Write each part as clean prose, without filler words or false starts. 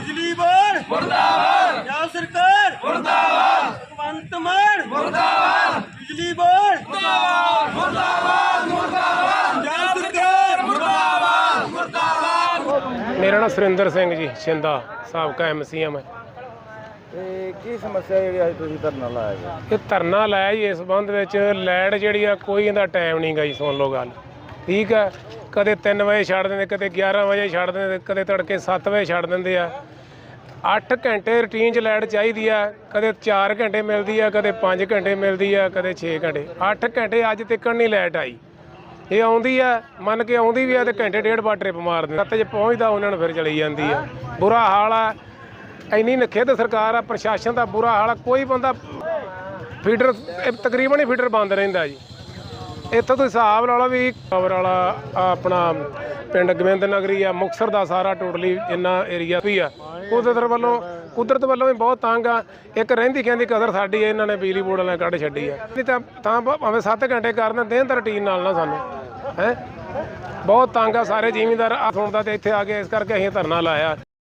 बिजली बोर्ड मुर्दाबाद, पंजाब सरकार मुर्दाबाद, भगवंत मान मुर्दाबाद, बिजली बोर्ड मुर्दाबाद, मुर्दाबाद, मुर्दाबाद, पंजाब सरकार मुर्दाबाद, मुर्दाबाद। मेरा नाम सुरिंदर सिंह जी छिंदा साबका MC है मैं। ਕੀ ਸਮੱਸਿਆ ਜਿਹੜੀ ਅੱਜ ਤੁਸੀਂ ਧਰਨਾ ਲਾਇਆ ਜੀ? ਇਹ ਧਰਨਾ ਲਾਇਆ ਜੀ ਇਸ ਸੰਬੰਧ ਵਿੱਚ ਲਾਈਟ ਜਿਹੜੀ ਆ ਕੋਈ ਇਹਦਾ ਟਾਈਮ ਨਹੀਂ ਗਾ ਜੀ। ਸੁਣ ਲਓ ਗੱਲ ਠੀਕ ਆ, ਕਦੇ 3 ਵਜੇ ਛੱਡ ਦਿੰਦੇ, ਕਦੇ 11 ਵਜੇ ਛੱਡ ਦਿੰਦੇ, ਕਦੇ ਤੜਕੇ 7 ਵਜੇ ਛੱਡ ਦਿੰਦੇ ਆ। 8 ਘੰਟੇ ਰੂਟੀਨ 'ਚ ਲਾਈਟ ਚਾਹੀਦੀ ਆ, ਕਦੇ 4 ਘੰਟੇ ਮਿਲਦੀ ਆ, ਕਦੇ 5 ਘੰਟੇ ਮਿਲਦੀ ਆ, ਕਦੇ 6 ਘੰਟੇ। 8 ਘੰਟੇ ਅੱਜ ਤੱਕ ਨਹੀਂ ਲਾਈਟ ਆਈ। ਇਹ ਆਉਂਦੀ ਆ, ਮੰਨ ਕੇ ਆਉਂਦੀ ਵੀ ਆ ਤੇ ਘੰਟੇ ਡੇਢ ਬਾਅਦ ਟ੍ਰਿਪ ਮਾਰ ਦਿੰਦੇ। 7 ਵਜੇ ਪਹੁੰਚਦਾ ਉਹਨਾਂ ਨੂੰ ਫਿਰ ਚਲੀ ਜਾਂਦੀ ਆ। ਬੁਰਾ ਹਾਲ ਆ, ਇੰਨੀ ਨਖਿੱਧ ਸਰਕਾਰ ਆ, ਪ੍ਰਸ਼ਾਸਨ ਦਾ ਬੁਰਾ ਹਾਲ ਆ। ਕੋਈ ਬੰਦਾ ਫੀਡਰ ਤਕਰੀਬਨ ਹੀ ਫੀਡਰ ਬੰਦ ਰਹਿੰਦਾ ਜੀ। ਇੱਥੋਂ ਤੁਸੀਂ ਹਿਸਾਬ ਲਾ ਲਓ ਵੀ ਪਾਵਰ ਵਾਲਾ ਆਪਣਾ ਪਿੰਡ ਗੋਬਿੰਦ ਨਗਰੀ ਆ, ਮੁਕਤਸਰ ਦਾ ਸਾਰਾ ਟੋਟਲੀ ਜਿੰਨਾ ਏਰੀਆ ਵੀ ਆ ਕੁਦਰਤ ਵੱਲੋਂ ਵੀ ਬਹੁਤ ਤੰਗ ਆ। ਇੱਕ ਰਹਿੰਦੀ ਕਹਿੰਦੀ ਕਦਰ ਸਾਡੀ ਇਹਨਾਂ ਨੇ ਬਿਜਲੀ ਬੋਰਡ ਵਾਲਿਆਂ ਕੱਢ ਛੱਡੀ ਆ। ਨਹੀਂ ਤਾਂ ਭਾਵੇਂ 7 ਘੰਟੇ ਕਰਨ ਦੇਣ ਤਾਂ ਰੂਟੀਨ ਨਾਲ ਨਾ ਸਾਨੂੰ ਹੈ ਬਹੁਤ ਤੰਗ ਆ। ਸਾਰੇ ਜ਼ਿਮੀਂਦਾਰ ਆ ਸੁਣਦਾ ਤੇ ਇੱਥੇ ਆ ਕੇ ਇਸ ਕਰਕੇ ਅਸੀਂ ਧਰਨਾ ਲਾਇਆ।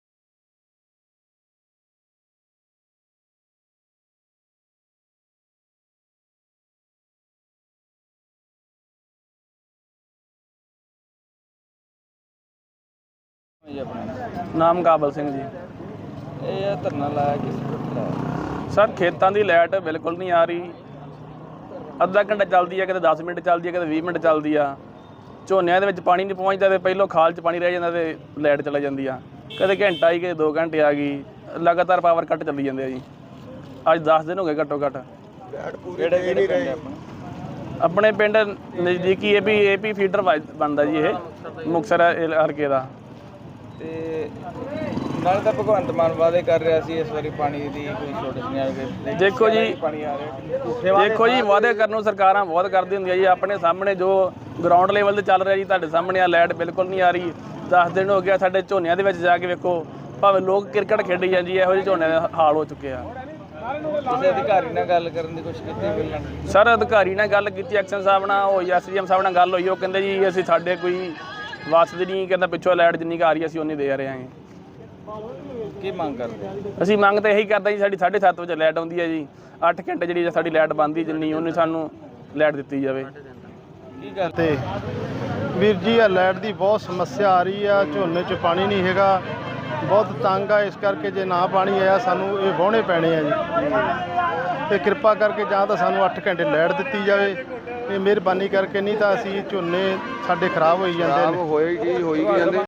ਨਾਮ ਕਾਬਲ ਸਿੰਘ ਜੀ। ਇਹ ਧਰਨਾ ਲਾਇਆ ਕਿਸ ਵਕਤ ਲਾਇਆ? ਸਰ ਖੇਤਾਂ ਦੀ ਲਾਈਟ ਬਿਲਕੁਲ ਨਹੀਂ ਆ ਰਹੀ। ਅੱਧਾ ਘੰਟਾ ਚੱਲਦੀ ਆ, ਕਦੇ 10 ਮਿੰਟ ਚੱਲਦੀ ਆ, ਕਦੇ 20 ਮਿੰਟ ਚੱਲਦੀ ਆ। ਝੋਨਿਆਂ ਦੇ ਵਿੱਚ ਪਾਣੀ ਨਹੀਂ ਪਹੁੰਚਦਾ ਤੇ ਪਹਿਲੋਂ ਖਾਲ 'ਚ ਪਾਣੀ ਰਹਿ ਜਾਂਦਾ ਤੇ ਲਾਈਟ ਚਲਾ ਜਾਂਦੀ ਆ। ਕਦੇ ਘੰਟਾ ਆਈ, ਕਦੇ 2 ਘੰਟੇ ਆ ਗਈ। ਲਗਾਤਾਰ ਪਾਵਰ ਕੱਟ ਚੱਲੀ ਜਾਂਦੇ ਆ ਜੀ। ਅੱਜ 10 ਦਿਨ ਹੋ ਗਏ ਘੱਟੋ ਘੱਟ। ਕਿਹੜੇ ਪਿੰਡ ਆਪਣੇ ਪਿੰਡ ਨਜ਼ਦੀਕੀ ਏਪੀ ਫੀਡਰ ਬਣਦਾ ਜੀ ਇਹ ਮੁਕਤਸਰ ਹਲਕੇ ਦਾ। ਤੇ ਨਾਲ ਤਾਂ ਭਗਵੰਤ ਮਾਨ ਵਾਅਦੇ ਕਰ ਰਿਹਾ ਸੀ ਇਸ ਵਾਰੀ ਪਾਣੀ ਦੀ ਕੋਈ ਸ਼ੋਰਟੇਜ ਨਹੀਂ ਆਏਗੀ। ਦੇਖੋ ਜੀ, ਪਾਣੀ ਆ ਰਿਹਾ। ਦੇਖੋ ਜੀ, ਵਾਅਦੇ ਕਰਨ ਨੂੰ ਸਰਕਾਰਾਂ ਬਹੁਤ ਕਰਦੀ ਹੁੰਦੀਆਂ ਜੀ। ਆਪਣੇ ਸਾਹਮਣੇ ਜੋ ਗਰਾਊਂਡ ਲੈਵਲ ਤੇ ਚੱਲ ਰਿਹਾ ਜੀ ਤੁਹਾਡੇ ਸਾਹਮਣੇ ਆ, ਲਾਈਟ ਬਿਲਕੁਲ ਨਹੀਂ ਆ ਰਹੀ। 10 ਦਿਨ ਹੋ ਗਿਆ। ਸਾਡੇ ਝੋਨਿਆਂ ਦੇ ਵਿੱਚ ਜਾ ਕੇ ਵੇਖੋ, ਭਾਵੇਂ ਲੋਕ ਕ੍ਰਿਕਟ ਖੇਡੀ ਜਾਂਦੀ ਹੈ, ਇਹੋ ਜਿਹੇ ਝੋਨੇ ਦੇ ਹਾਲ ਹੋ ਚੁੱਕੇ ਆ। ਕਿਸੇ ਅਧਿਕਾਰੀ ਨਾਲ ਗੱਲ ਕਰਨ ਦੀ ਕੋਸ਼ਿਸ਼ ਕੀਤੀ ਮਿਲਣ? ਸਰ ਅਧਿਕਾਰੀ ਨਾਲ ਗੱਲ ਕੀਤੀ, ਐਕਸ਼ਨ ਸਾਹਿਬ ਨਾਲ ਹੋਈ, SDM ਸਾਹਿਬ ਨਾਲ ਗੱਲ ਹੋਈ। ਉਹ ਕਹਿੰਦੇ ਜੀ ਅਸੀਂ ਸਾਡੇ ਕੋਈ ਵਾਸਤੇ ਨਹੀਂ, ਕਹਿੰਦਾ ਪਿੱਛੋਂ ਲਾਈਟ ਜਿੰਨੀ ਕੁ ਆ ਰਹੀ ਅਸੀਂ ਉਨੀ ਦੇ ਰਹੇ ਹਾਂ। ਕੀ ਮੰਗ ਕਰਦੇ? ਅਸੀਂ ਮੰਗ ਤਾਂ ਇਹੀ ਕਰਦੇ ਜੀ, ਸਾਡੀ 7:30 ਵਜੇ ਲਾਈਟ ਆਉਂਦੀ ਹੈ ਜੀ। 8 ਘੰਟੇ ਜਿਹੜੀ ਸਾਡੀ ਲਾਈਟ ਬਣਦੀ ਜਿੰਨੀ ਉਹਨੇ ਸਾਨੂੰ ਲਾਈਟ ਦਿੱਤੀ ਜਾਵੇ। ਕੀ ਗੱਲ ਤੇ ਵੀਰ ਜੀ ਆ ਲਾਈਟ ਦੀ ਬਹੁਤ ਸਮੱਸਿਆ ਆ ਰਹੀ ਆ। ਝੋਨੇ 'ਚ ਪਾਣੀ ਨਹੀਂ ਹੈਗਾ, ਬਹੁਤ ਤੰਗ ਆ। ਇਸ ਕਰਕੇ ਜੇ ਨਾ ਪਾਣੀ ਆਇਆ ਸਾਨੂੰ ਇਹ ਵਾਹੁਣੇ ਪੈਣੇ ਆ ਜੀ। ਤੇ ਕਿਰਪਾ ਕਰਕੇ ਜਾਂ ਤਾਂ ਸਾਨੂੰ 8 ਘੰਟੇ ਲਾਈਟ ਦਿੱਤੀ ਜਾਵੇ, ਇਹ ਮਿਹਰਬਾਨੀ ਕਰਕੇ। ਨਹੀਂ ਤਾਂ ਅਸੀਂ ਝੋਨੇ ਸਾਡੇ ਖਰਾਬ ਹੋਈ ਜਾਂਦੇ ਨੇ। ਹੋਏਗੀ ਜਾਂਦੇ।